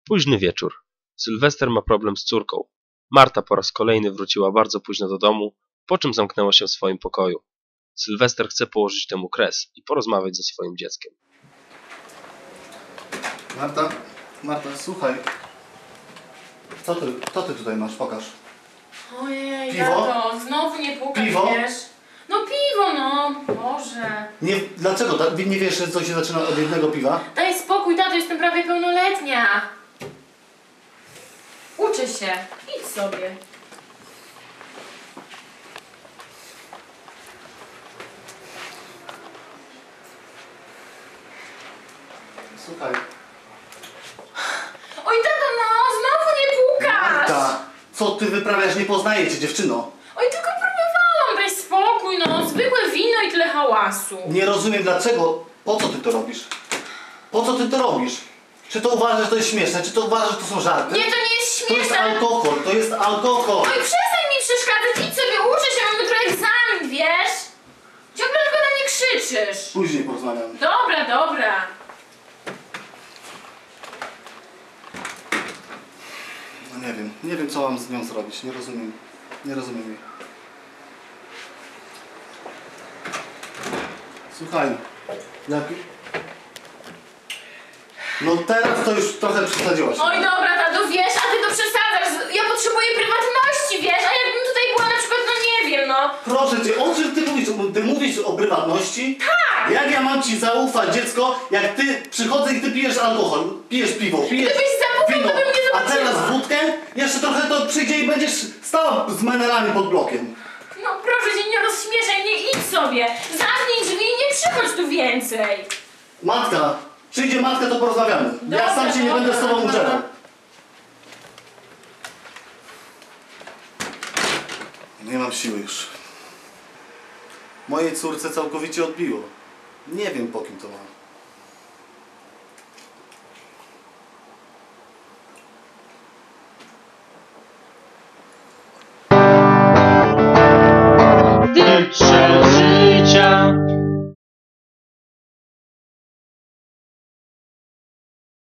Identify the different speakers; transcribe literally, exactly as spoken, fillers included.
Speaker 1: Późny wieczór. Sylwester ma problem z córką. Marta po raz kolejny wróciła bardzo późno do domu, po czym zamknęła się w swoim pokoju. Sylwester chce położyć temu kres i porozmawiać ze swoim dzieckiem.
Speaker 2: Marta, Marta, słuchaj. Co ty, co ty tutaj masz? Pokaż.
Speaker 3: Ojej,
Speaker 2: Piwo?
Speaker 3: tato, znowu nie pukaj,
Speaker 2: Piwo?
Speaker 3: wiesz? No piwo, no, Boże.
Speaker 2: Nie, dlaczego? Ta- Nie wiesz, że coś się zaczyna od jednego piwa?
Speaker 3: Daj spokój, tato, jestem prawie pełnoletnia. Uczę się, idź sobie.
Speaker 2: Słuchaj.
Speaker 3: Oj, tato, no, znowu nie pukasz.
Speaker 2: Marta, co ty wyprawiasz? Nie poznaję cię, dziewczyno.
Speaker 3: Oj, tylko próbowałam, daj spokój, no, zwykłe wino i tyle hałasu.
Speaker 2: Nie rozumiem dlaczego. Po co ty to robisz? Po co ty to robisz? Czy to uważasz, że to jest śmieszne? Czy to uważasz, że to są żarty?
Speaker 3: Nie, to nie jest
Speaker 2: To jest
Speaker 3: śmieszne.
Speaker 2: alkohol, to jest alkohol.
Speaker 3: Oj, przestań mi przeszkadzać, idź sobie, uczę się, mam jutro egzamin, wiesz? Ciągle tylko na mnie krzyczysz.
Speaker 2: Później porozmawiamy.
Speaker 3: Dobra, dobra.
Speaker 2: No nie wiem, nie wiem co mam z nią zrobić, nie rozumiem. Nie rozumiem jej. Słuchaj, jak... No teraz to już trochę przesadziłaś.
Speaker 3: Oj, dobra, tato, wiesz, a ty to przesadzasz. Ja potrzebuję prywatności, wiesz, a jakbym tutaj była na przykład, no nie wiem, no.
Speaker 2: Proszę cię, o czym ty mówisz? Ty mówisz o prywatności?
Speaker 3: Tak!
Speaker 2: Jak ja mam ci zaufać, dziecko, jak ty przychodzę i ty pijesz alkohol, pijesz piwo, pijesz
Speaker 3: Gdybyś zaufał,
Speaker 2: wino,
Speaker 3: to bym nie
Speaker 2: a
Speaker 3: zobaczyła.
Speaker 2: teraz wódkę? Jeszcze trochę to przyjdzie i będziesz stała z menelami pod blokiem.
Speaker 3: No proszę cię, nie rozśmieszaj mnie, idź sobie. Zamknij drzwi i nie przychodź tu więcej.
Speaker 2: Matka, przyjdzie matka, to porozmawiamy.
Speaker 3: Dobra,
Speaker 2: ja sam się nie
Speaker 3: dobra,
Speaker 2: będę z tobą
Speaker 3: dobra.
Speaker 2: uczerał. Nie mam siły już. Mojej córce całkowicie odbiło. Nie wiem po kim to ma.